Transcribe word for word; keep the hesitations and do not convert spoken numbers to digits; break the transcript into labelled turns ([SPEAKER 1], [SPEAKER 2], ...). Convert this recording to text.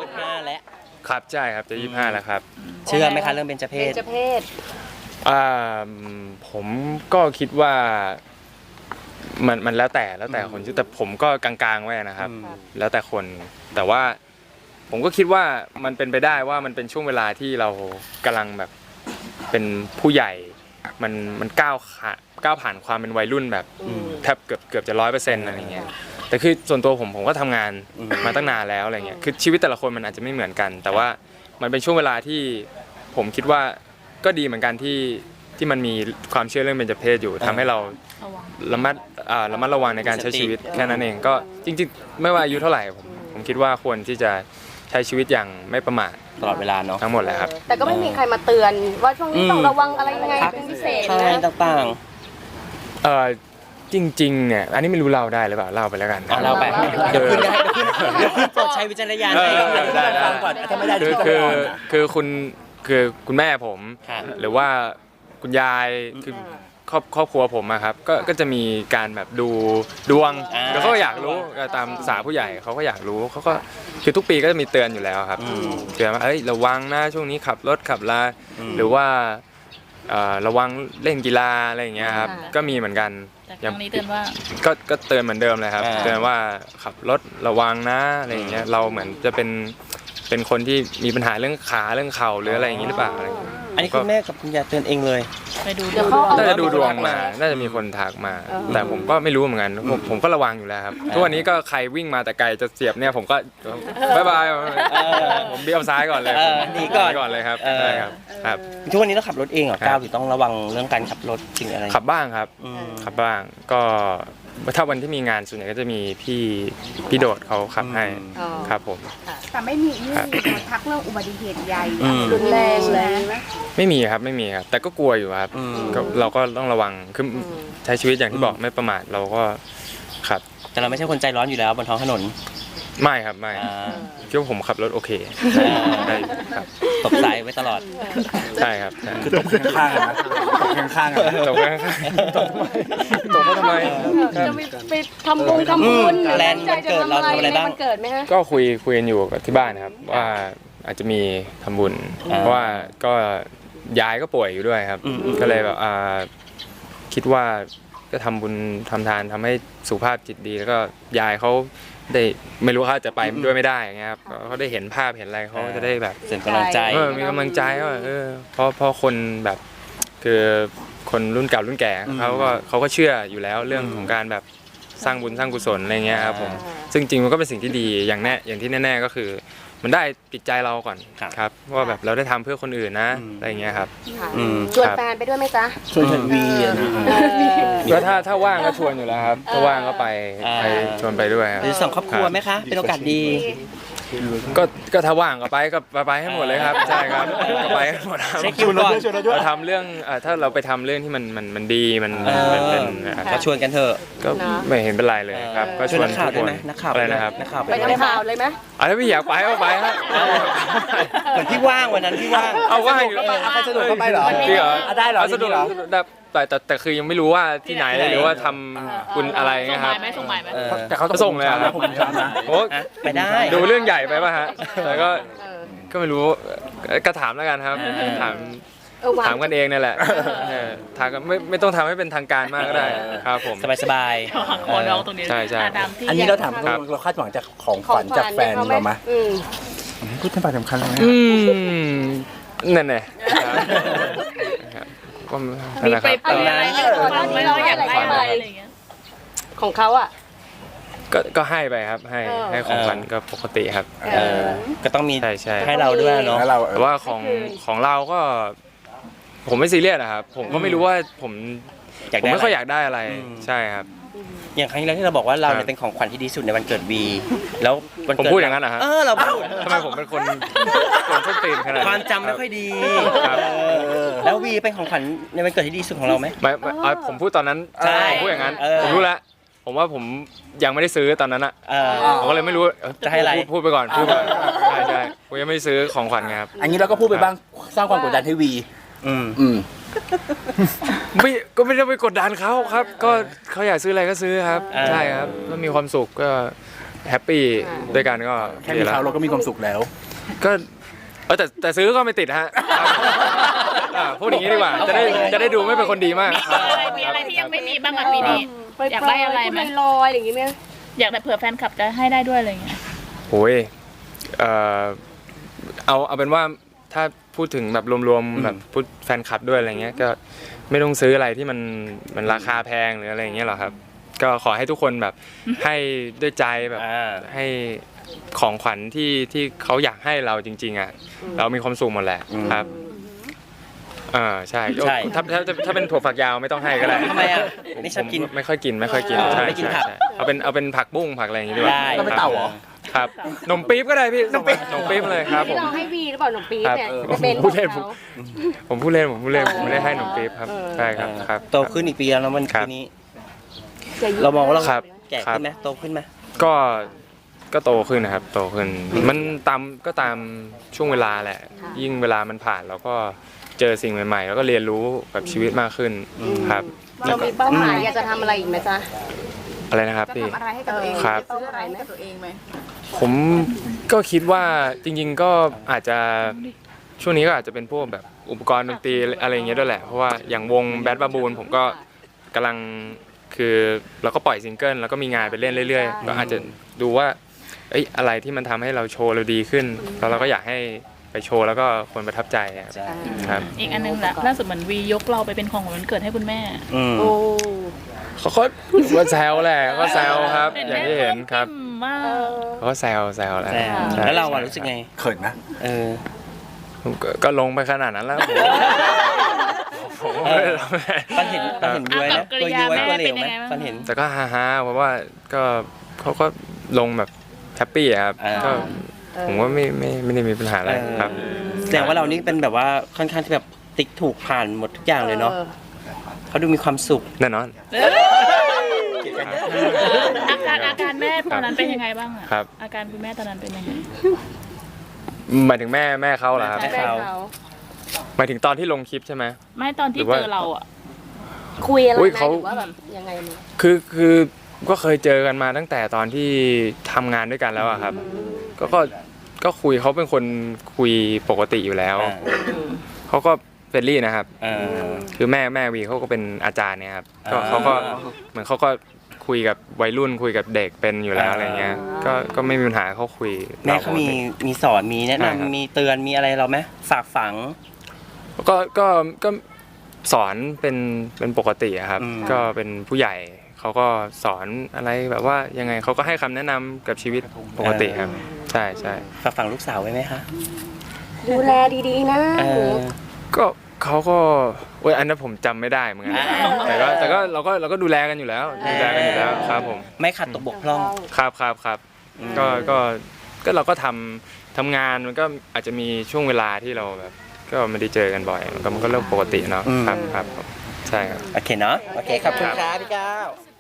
[SPEAKER 1] ยี่สิบห้าแล้ว
[SPEAKER 2] ครับใช่ครับจะยี่สิบห้าแล้วครับ
[SPEAKER 1] เชื่อไหมคะเรื่องเบญจเพ
[SPEAKER 3] เบ
[SPEAKER 1] ศ
[SPEAKER 3] ญจเพศ
[SPEAKER 2] อ่าผมก็คิดว่ามันมันแล้วแต่แล้วแต่คนชื่อแต่ผมก็กลางๆไว้นะครับแล้วแต่คนแต่ว่าผมก็คิดว่ามันเป็นไปได้ว่ามันเป็นช่วงเวลาที่เรากำลังแบบเป็นผู้ใหญ่มันมันก้าวขาก้าวผ่านความเป็นวัยรุ่นแบบแทบเกือบเกือบจะร้อยเปอร์เซ็นต์อะไรเงี้ยแต่คือส่วนตัวผมผมก็ทำงานมาตั้งนานแล้วอะไรเงี้ยคือชีวิตแต่ละคนมันอาจจะไม่เหมือนกันแต่ว่ามันเป็นช่วงเวลาที่ผมคิดว่าก็ดีเหมือนกันที่ที่มันมีความเชื่อเรื่องเบญจเพศอยู่ทำให้เราระมัดอ่าระมัดระวังในการใช้ชีวิตแค่นั้นเองก็จริงๆไม่ว่าอายุเท่าไหร่ผมผมคิดว่าควรที่จะใช้ชีวิตอย่างไม่ประมาท
[SPEAKER 1] ตลอดเวลาเนาะ
[SPEAKER 2] ทั้งหมดเลยครับ
[SPEAKER 3] แต่ก็ไม่มีใครมาเตือนว่าช่วงนี้ต้องระวังอะไรยังไงเป็นพิเศษ
[SPEAKER 1] อะไรต่าง
[SPEAKER 2] เออจริงๆเนี่ยอันนี้ไม่รู้เล่าได้หรือเปล่าเล่าไปแล้วกัน
[SPEAKER 1] เล่าไปเดี๋ยวขึ้นเดี๋ยวขึ้นเดี๋ยวขึ้นโปรดใช้วิจารณญาณให้ฟังก่อนถ้าไม่ได้
[SPEAKER 2] คือคือคือคุณคือคุณแม่ผมหรือว่าคุณยายคือครอบครอบครัวผมอะครับก็ก็จะมีการแบบดูดวงแล้วเขาก็อยากรู้ตามภาษาผู้ใหญ่เขาก็อยากรู้เขาก็คือทุกปีก็จะมีเตือนอยู่แล้วครับเตือนว่าเอ้ยระวังนะช่วงนี้ขับรถขับลาหรือว่าระวังเล่นกีฬาอะไรอย่างเงี้ยครับก็มีเหมือนกัน
[SPEAKER 4] แต่ครั้งนี้เตือนว่า
[SPEAKER 2] ก็ก็เตือนเหมือนเดิมเลยครับเตือนว่าขับรถระวังนะอะไรอย่างเงี้ยเราเหมือนจะเป็นเป็นคนที่มีปัญหาเรื่องขาเรื่องเข่าหรืออะไรอย่างงี้หรือเปล่าอะไร
[SPEAKER 1] อันนี้คุณแม่กับคุณยายเตือนเองเลย
[SPEAKER 4] ไปดู
[SPEAKER 3] เดี๋ยวเขา
[SPEAKER 2] น่าจะดูดวงมาน่าจะมีคนทักมาแต่ผมก็ไม่รู้เหมือนกันผมผมก็ระวังอยู่แล้วครับทุกวันนี้ก็ใครวิ่งมาแต่ไกลจะเสียบเนี่ยผมก็บ๊ายบายผมเบี้ยวซ้ายก่อนเลย
[SPEAKER 1] หนีก่อน
[SPEAKER 2] ก่อนเลยครับใช่ครับครับ
[SPEAKER 1] ทุกวันนี้เราขับรถเองเหรอก้าวหรือต้องระวังเรื่องการขับรถสิ่งอะไร
[SPEAKER 2] ขับบ้างครับขับบ้างก็ถ้าวันที่มีงานส่วนใหญ่ก็จะมีพี่พี่โดดเขาขับให้ครับผม
[SPEAKER 5] แต่ไม่มีนี่ทักเรื่องอุบัติเหตุใหญ่
[SPEAKER 3] รุนแรงเลย
[SPEAKER 2] ไม่มีครับไม่มีครับแต่ก็กลัวอยู่ครับเราก็ต้องระวังคือใช้ชีวิตอย่างที่บอกไม่ประมาทเราก็ครับ
[SPEAKER 1] แต่เราไม่ใช่คนใจร้อนอยู่แล้วบนท้องถนน
[SPEAKER 2] ไม่ครับไม่คิดว่าผมขับรถโอเคได้ครับ
[SPEAKER 1] ตบสายไว้ตลอด
[SPEAKER 2] ใช่ครับ
[SPEAKER 6] คือตบข้างๆนะตบข้างๆ
[SPEAKER 2] ตบข้างๆตบทำไมตบเขาทำไม
[SPEAKER 3] จะไปทำบุญทำบุญ
[SPEAKER 1] แลนด์วันเกิดเราทำอะไรบ้าง
[SPEAKER 3] เกิดไหมฮะ
[SPEAKER 2] ก็คุยคุยกันอยู่กับที่บ้านครับว่าอาจจะมีทำบุญเพราะว่าก็ยายก็ป่วยอยู่ด้วยครับก็เลยแบบคิดว่าก็ทำบุญทำทานทำให้สุขภาพจิตดีแล้วก็ยายเขาได้ไม่รู้เขาจะไปด้วยไม่ได้ไงครับเขาได้เห็นภาพเห็นอะไรเขาจะได้แบบ
[SPEAKER 1] เสริมกำลังใจ
[SPEAKER 2] มีกำลังใจว่าเออเพราะเพราะคนแบบคือคนรุ่นเก่ารุ่นแก่เขาก็เขาก็เชื่ออยู่แล้วเรื่องของการแบบสร้างบุญสร้างกุศลอะไรเงี้ยครับผมซึ่งจริงมันก็เป็นสิ่งที่ดีอย่างแน่อย่างที่แน่ๆก็คือมันได้ติดใจเราก่อนครับว่าแบบเราได้ทำเพื่อคนอื่นนะอะไรเงี้ยครับ
[SPEAKER 3] ชวนแฟนไปด้วยไหมจ๊ะ
[SPEAKER 6] ชวนวีนะ
[SPEAKER 2] ก็ถ้าถ้าว่างก็ชวนอยู่แล้วครับถ้าว่างก็ไปไปชวนไปด้วย
[SPEAKER 1] หรือสองครอบครัวไหมคะเป็นโอกาสดี
[SPEAKER 2] ก็ก็ถ้าว่างก็ไปก็ไปให้หมดเลยครับใช่ครับก็ไปให้หมด
[SPEAKER 1] เช็คคิวก่อน
[SPEAKER 2] เราทำเรื่องถ้าเราไปทำเรื่องที่มันมันมันดีมันเป็น
[SPEAKER 1] ก็ชวนกันเถอะ
[SPEAKER 2] ก็ไม่เห็นเป็นไรเลยครับก็ชวน
[SPEAKER 1] นักข่าวด้วยไหมนักข่าว
[SPEAKER 2] อะไรนะครับ
[SPEAKER 1] นักข่าว
[SPEAKER 3] ไปทำข่าวเลยไหม
[SPEAKER 2] อ่ะถ้าพี่อยากไปก็ไปฮะ
[SPEAKER 1] เหมือนที่ว่างวันนั้นที่ว่าง
[SPEAKER 2] เอาว่างอยู่
[SPEAKER 6] ใครสะดวกก็ไปเหรอ
[SPEAKER 2] จริงเหรอ
[SPEAKER 6] ได้เหรอ
[SPEAKER 2] สะดวกแต่แต่แต่คือยังไม่รู้ว่าที่ไหนหรือว่าทำคุณอะไรนะครับ
[SPEAKER 4] ส่งหมายไหม
[SPEAKER 2] แต่เขาส่งเลยครับโอ้
[SPEAKER 1] ไปได้
[SPEAKER 2] ดูเรื่องใหญ่ไปป่ะฮะแต่ก็ก็ไม่รู้ก็ถามแล้วกันครับถามถามกันเองนี่แหละถามกันไม่ไม่ต้องทำให้เป็นทางการมากก็ได้ครับผม
[SPEAKER 1] สบายสบาย
[SPEAKER 4] ขอน้องตรงนี้
[SPEAKER 2] ใช่ใช่
[SPEAKER 6] อันนี้เราถามเราคาดหวังจากของขวัญจากแฟนเราไหมพูดถึงความสำคัญเลย
[SPEAKER 2] นั่นแหละก็
[SPEAKER 3] มีไปอะไรไม่เราอยากได้อะไรของเขาอ่ะ
[SPEAKER 2] ก็ก็ให้ไปครับให้ให้ของขวัญก็ปกติครับ
[SPEAKER 1] ก็ต้องมี
[SPEAKER 2] ใช่ใช่
[SPEAKER 1] ให้เราด้วยเนาะ
[SPEAKER 2] แต่ว่าของของเราก็ผมไม่ซีเรียสนะครับผมก็ไม่รู้ว่าผมผมไม่ค่อยอยากได้อะไรใช่ครับ
[SPEAKER 1] อย่างครั้งที่เราบอกว่าเราเนี่ยเป็นของขวัญที่ดีสุดในวันเกิดวีแล้ว
[SPEAKER 2] ผมพูดอย่างนั้นนะฮะ
[SPEAKER 1] เออเราพูด
[SPEAKER 2] ทำไมผมเป็นคนคนต้นตีนขนาด
[SPEAKER 1] ความจำไม่ค่อยดีแล้ววีเป็นของขวัญในวันเกิดที่ดีสุดของเราไหม
[SPEAKER 2] ไม่ผมพูดตอนนั้นผมพูดอย่างนั้นผมรู้แล้วผมว่าผมยังไม่ได้ซื้อตอนนั้นอ่ะผมก็เลยไม่รู้
[SPEAKER 1] จะให้อะไร
[SPEAKER 2] พูดไปก่อนพูดไปใช่ใช่ผมยังไม่ได้ซื้อของขวัญครับ
[SPEAKER 6] อันนี้เราก็พูดไปบ้างสร้างความกดดันให้วี
[SPEAKER 1] อืม
[SPEAKER 6] อืม
[SPEAKER 2] ไม่ก็ไม่ได้ไปกดดันเขาครับก็เขาอยากซื้ออะไรก็ซื้อครับใช่ครับถ้ามีความสุขก็แฮปปี้ด้วยกันก็
[SPEAKER 6] แค่มีเขาเราก็มีความสุขแล้ว
[SPEAKER 2] ก็เออแต่แต่ซื้อก็ไม่ติดฮะครับอ่าพูดอย่างนี้ดีกว่าจะได้จะได้ดูไม่เป็นคนดีมาก
[SPEAKER 4] มีอะไรมีอะไรที่ยังไม่มีบ้างอะปีนี้ อยากได้อะไรไหม
[SPEAKER 5] ลอยๆอะไรอย่างงี้ไหม
[SPEAKER 4] อยากแต่เผื่อแฟนคลับจะให้ได้ด้วยอะไรอย่างเงี้ย
[SPEAKER 2] โอ้ยเอ่อเอาเอาเป็นว่าถ้าพูดถึงแบบรวม
[SPEAKER 6] อืม
[SPEAKER 2] ๆแบบพูดแฟนคลับด้วยอะไรเงี้ยก็ไม่ต้องซื้ออะไรที่มันมันราคาแพงหรืออะไรอย่างเงี้ยหรอกครับ ก็ขอให้ทุกคนแบบให้ด้วยใจแบบ
[SPEAKER 1] อ่า
[SPEAKER 2] ให้ของขวัญที่ที่เขาอยากให้เราจริง ๆอ่ะเรามีความสุขหมดแหละครับอ่าใช่
[SPEAKER 1] ใช่
[SPEAKER 2] ถ้าถ้าถ้าถ้าเป็นถั่วฝักยาวไม่ต้องให้ก็ได้
[SPEAKER 1] ทำไมอ่ะ
[SPEAKER 2] ผ
[SPEAKER 1] ไม่ชอบกิน
[SPEAKER 2] ผไม่ค่อยกินไม่ค่อยกิน
[SPEAKER 1] อ๋อ
[SPEAKER 2] ใช่
[SPEAKER 1] ไม่กิน
[SPEAKER 2] ใช่
[SPEAKER 1] ผัก
[SPEAKER 2] ใช่เอาเป็นเอาเป็นผักบุ้งผักอะไรอย่างงี้ดีกว่า
[SPEAKER 1] ได้
[SPEAKER 6] เราเป็นเต่าเหรอ
[SPEAKER 2] ครับนมปี๊บก็ได้พี่นมปี๊บนมปี๊บเลยครับผ
[SPEAKER 5] ที่
[SPEAKER 2] ม
[SPEAKER 5] เราให้วีหรือเปล่าหนุ่มปี๊บเนี่ย
[SPEAKER 2] ครับ
[SPEAKER 5] เป็น
[SPEAKER 2] พูดเล่น
[SPEAKER 5] ของ
[SPEAKER 2] ผม
[SPEAKER 5] เขา
[SPEAKER 2] ผมพูดเล่นผมพูดเล่นผมไม่ได้ให้นมปี๊บครับใช่ครับครับ
[SPEAKER 1] โตขึ้นอีกปีแล้วนะมัน
[SPEAKER 2] ครั
[SPEAKER 1] ปี
[SPEAKER 2] บ
[SPEAKER 1] นี้
[SPEAKER 5] จะยิ้
[SPEAKER 1] เรามองว่าเรา
[SPEAKER 2] ครับ
[SPEAKER 1] แก่
[SPEAKER 2] ครับ
[SPEAKER 1] ขึ้นไหมโตขึ้นไหม
[SPEAKER 2] ก็ก็โตขึ้นนะครับโตขึ้นมันตามก็ตามช่วงเวลาแหละ ยิ่งเวลามันผ่านเราก็เจอสิ่งใหม่ๆ แล้วก็เรียนรู้กับชีวิตมากขึ้นครับ
[SPEAKER 5] เรามีเป้าหมายอยากจะทำอะไรอีกไหมจ๊ะ
[SPEAKER 2] อะไรนะครับ
[SPEAKER 5] จะ
[SPEAKER 2] พี่
[SPEAKER 5] ทำอะไรให้กับตัวเอง
[SPEAKER 2] ครับ
[SPEAKER 5] จะซื้ออะไรให้กับตัวเองไหม
[SPEAKER 2] ผมก็คิดว่าจริงๆก็อาจจะช่วงนี้ก็อาจจะเป็นพวกแบบอุปกรณ์ดนตรีอะไรอย่างเงี้ยด้วยแหละเพราะว่าอย่างวงแบดบาบูนผมก็กำลังคือเราก็ปล่อยซิงเกิลแล้วก็มีงานไปเล่นเรื่อยๆ ก็อาจจะดูว่าเอ้ยอะไรที่มันทำให้เราโชว์เราดีขึ้นแล้วเราก็อยากให้ไปโชว์แล้วก็คนประทับใจอะ
[SPEAKER 1] ใช่
[SPEAKER 2] ครับ
[SPEAKER 4] อีกอันนึงแหละล่าสุดเหมือนวียกเราไปเป็นของขวัญวันเกิดให้คุณแม่
[SPEAKER 1] อืม
[SPEAKER 5] โอ้
[SPEAKER 2] เขาก็ว่าแซวแหละก็แซวครับ อย่างที่เห็นครับ
[SPEAKER 4] ปลื้มมาก
[SPEAKER 5] เออ
[SPEAKER 2] เขาก็แซวแซวแหละ
[SPEAKER 1] แต่
[SPEAKER 2] ใช่
[SPEAKER 1] แล้วเราอะรู้สึกไง
[SPEAKER 6] เขินนะ
[SPEAKER 1] เออ
[SPEAKER 2] ผมก็ก็ลงไปขนาดนั้นแล้วผมผมก็ไม่ได้ทำอะไร
[SPEAKER 1] ปันเห็นปันเห็นย้วยนะตัวย้วยตัวเหลวไหมปันเห็น
[SPEAKER 2] แต่ก็ฮาๆเพราะว่าก็เขาก็ลงแบบแฮปปี้อะครับ
[SPEAKER 1] อ่า
[SPEAKER 2] ก็ผมว่าไม่ไม่ไม่ได้มีปัญหาอะไรครับ
[SPEAKER 1] แสดงว่าเรานี่เป็นแบบว่าค่อนข้างที่แบบติ๊กถูกผ่านหมดทุกอย่างเลยเนาะเขาดูมีความสุข
[SPEAKER 2] แน่นอน
[SPEAKER 4] อาการอาการแม่ตอนนั้นเป็นยังไงบ้างอะ
[SPEAKER 2] ครับ
[SPEAKER 4] อาการคุณแม่ตอนนั้นเป็นยังไง
[SPEAKER 2] หมายถึงแม่แม่เขาเหรอครับ
[SPEAKER 1] แม่
[SPEAKER 5] แม่
[SPEAKER 1] เขา
[SPEAKER 5] เขา
[SPEAKER 2] หมายถึงตอนที่ลงคลิปใช่ไหม
[SPEAKER 4] ไม่ตอนที่
[SPEAKER 2] หรือว่า
[SPEAKER 4] เจอเราอะ
[SPEAKER 5] คุยอะไร
[SPEAKER 2] อุ๊ย
[SPEAKER 5] ไหม
[SPEAKER 2] เขา
[SPEAKER 5] หรือว่าแบบยังไงมั้ย
[SPEAKER 2] คือคือก็เคยเจอกันมาตั้งแต่ตอนที่ทำงานด้วยกันแล้วอะครับ ก็ก็ก็คุยเขาเป็นคนคุยปกติอยู่แล้ว
[SPEAKER 1] อ่า
[SPEAKER 2] เขาก็เฟรนลี่นะครับ
[SPEAKER 1] เออ
[SPEAKER 2] คือแม่แม่วีเขาก็เป็นอาจารย์เนี่ยครับก็
[SPEAKER 1] อ่า
[SPEAKER 2] เขาก็เหมือนเขาก็คุยกับวัยรุ่นคุยกับเด็กเป็นอยู่แล้ว
[SPEAKER 1] อ่า
[SPEAKER 2] อะไรเงี้ยก็ก็ไม่มีปัญหาเขาคุย
[SPEAKER 1] แม่เขามีมีสอนมีแนะ
[SPEAKER 2] ใช่ครับ
[SPEAKER 1] นำมีเตือนมีอะไรเราไหมฝากฝัง
[SPEAKER 2] ก็ก็ก็สอนเป็นเป็นปกติอะครับ
[SPEAKER 1] อืม
[SPEAKER 2] ก็เป็นผู้ใหญ่เขาก็สอนอะไรแบบว่ายังไงเขาก็ให้คำแนะนำกับชีวิตปกติครับ ใช่ใช่
[SPEAKER 1] ฝากฝังลูกสาวไว้ไหมคะ
[SPEAKER 5] ดูแลดีๆนะ
[SPEAKER 1] เออ
[SPEAKER 2] ก็เขาก็โอ้ยอันนั้นผมจำไม่ได้เหมือนกันแต่ก็แต่ก็เราก็เราก็ดูแลกันอยู่แล้วดูแลกันอยู่แล้วครับผม
[SPEAKER 1] ไม่ขัดตกบกพร่อง
[SPEAKER 2] ครับครับครับ
[SPEAKER 1] อืม
[SPEAKER 2] ก็ก็ก็เราก็ทำทำงานมันก็อาจจะมีช่วงเวลาที่เราแบบ ก็ไม่ได้เจอกันบ่อยมันก็มันก็เรื่องปกติเนาะครับครับใช่ครับ
[SPEAKER 1] โอเคเนาะโอเคขอบคุณครับพี่ก้าว